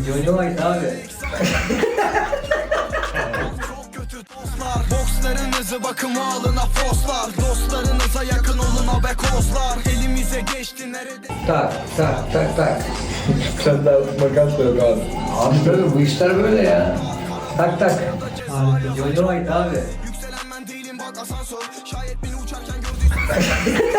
Jojo White abi. Bokslarınızı bakıma alın afoslar. Dostlarınıza yakın olun abekoslar. Elimize geçti nerede? Tak tak tak tak. Sen daha makas da yok abi. Abi böyle bu işler böyle ya. Tak tak. Jojo White abi. Yükselen ben değilim bak asansör. Şayet beni uçarken gördüysen.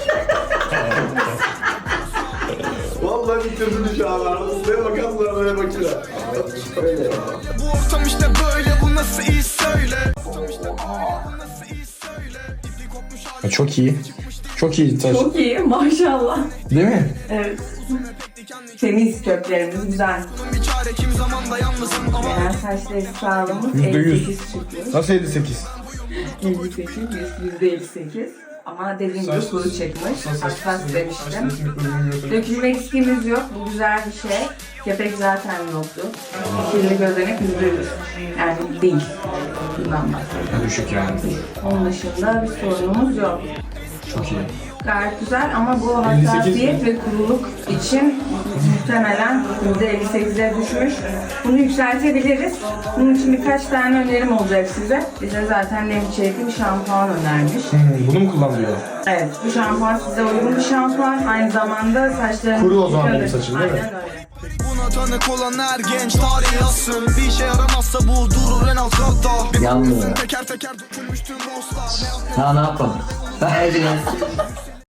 Vallahi bitirdin şu an abi. Ne makasla böyle bakıyor. Öyle ya. Bu ortam işte böyle, bu nasıl iş söyle. Ortam işte böyle, bu nasıl iş söyle. İpi kopmuş hali. Çok iyi. Çok iyi taş. Çok iyi maşallah. Değil mi? Evet. Temiz köklerimiz güzel. Bir çare kim zaman da yalnızım ama. Genel saçları sağlığımız %100. 58 çıkıyor. Nasıl 58? 58, %58. Ama dediğim gibi kuru çıkmış. Hassas demiştim. Dökülme riskimiz yok. Bu güzel bir şey. Kepek zaten yoktu. Kirli gözenek %100. Yani değil. Bundan bahsediyorum. Düşük yani. Onun dışında bir sorunumuz yok. Çok iyi. Gayet güzel ama bu hassasiyet ve kuruluk için muhtemelen %58'e düşmüş. Bunu yükseltebiliriz. Bunun için birkaç tane önerim olacak size. Bize zaten nem içerikli bir şampuan önermiş. Bunu mu kullanıyor? Evet, bu şampuan size uygun bir şampuan. Aynı zamanda saçlarınızı Kuru o zaman benim yıkadır. saçım, değil mi? Aynen öyle. Buna tanık olan her genç tarih yazsın. Bir işe yaramazsa bu durur en alt katta. Bir Yanmıyor. bakmışsın teker teker dökülmüş tüm dostlar. Ha ne yapalım? Verdiniz.